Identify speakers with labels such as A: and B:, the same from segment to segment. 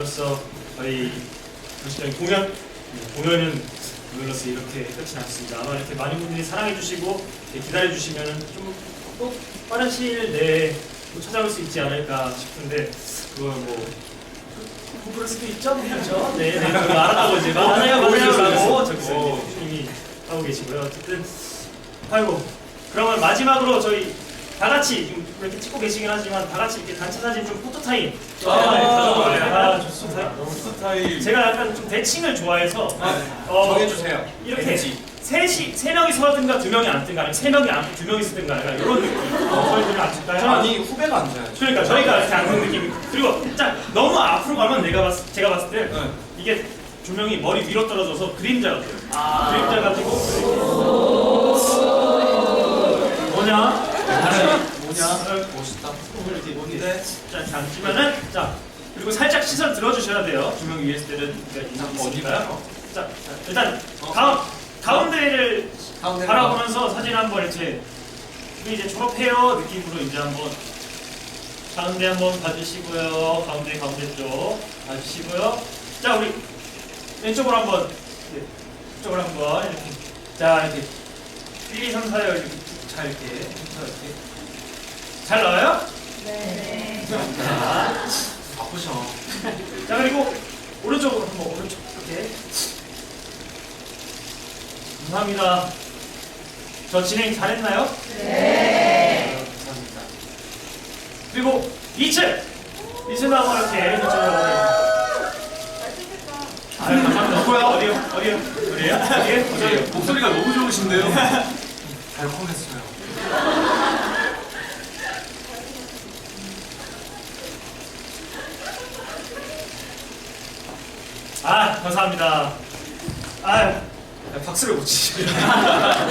A: 그래서 저희 정식적인 공연은 오늘로서 이렇게 끝이 났습니다. 아마 이렇게 많은 분들이 사랑해주시고 기다려주시면은 좀 또 빠른 시일 내에 또 찾아올 수 있지 않을까 싶은데 그걸 뭐 그럴 수도 있죠, 그렇죠? 네, 그거 알았다고 이제 맞아요, 저기서 이미 하고 계시고요. 어쨌든 아이고 그러면 마지막으로 저희 다 같이 지금 이렇게 찍고 계시긴 하지만 다 같이 이렇게 단체 사진 좀 포토 타임. 좋습니다.
B: 포토 타임.
A: 제가 약간 좀 대칭을 좋아해서
B: 정해주세요.
A: 이렇게 세 명이 서든가 두 명이 앉든가 아니면 세 명이 앉고 두 명이 서든가 약간 이런 느낌. 저희들이 앉을까요?
B: 아니 후배가 앉아야죠.
A: 그러니까 저희가 이렇게 앉는 느낌. 그리고 딱 너무 앞으로 가면 제가 봤을 때 이게 조명이 머리 위로 떨어져서 그림자 같아요. 그림자 가지고 뭐냐?
B: 멋있다.
A: 이렇게 뭔데? 자, 앉으면은 자 그리고 살짝 시선 들어주셔야 돼요. 조명 위에 있을 때는 어디가요? 자, 일단 가운데를 바라보면서 사진 한번 이렇게 우리 이제 졸업해요 느낌으로 이제 한번 가운데 한번 봐주시고요. 가운데 쪽 봐주시고요. 자, 우리 왼쪽으로 한번 이쪽으로 한번 이렇게 자 이렇게 1, 2, 3, 4요 이렇게 잘 이렇게 잘 나와요?
C: 네.
B: 바쁘셔.
A: 자, 그리고 오른쪽으로 한번 오른쪽 이렇게 감사합니다. 저 진행 잘했나요?
C: 네.
A: 감사합니다. 그리고 2층도 한번 이렇게 이쪽으로 감사합니다. 어디요? 어디에요?
B: 목소리가 너무 좋으신데요. 달콤했어요.
A: 감사합니다. 박수를 못 치시네. 자,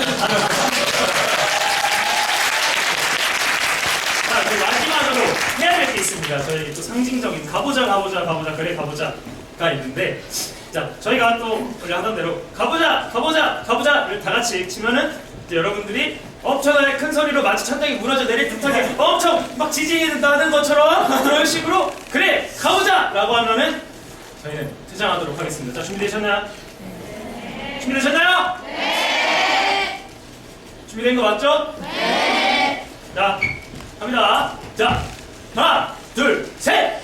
A: 그리고 마지막으로 해야 될 게 있습니다. 저희 또 상징적인 가보자가 있는데, 자, 저희가 또 원래 하던 대로 가보자를 다 같이 치면은 이제 여러분들이 엄청나게 큰 소리로 마치 천장이 무너져 내릴 듯하게 엄청 막 지진이 나는 것처럼 그런 식으로 그래 가보자라고 하면은 저희는 퇴장하도록 하겠습니다. 자, 준비되셨나요? 네. 준비되셨나요? 네. 준비된 거 맞죠? 네. 자, 갑니다. 자, 하나, 둘, 셋.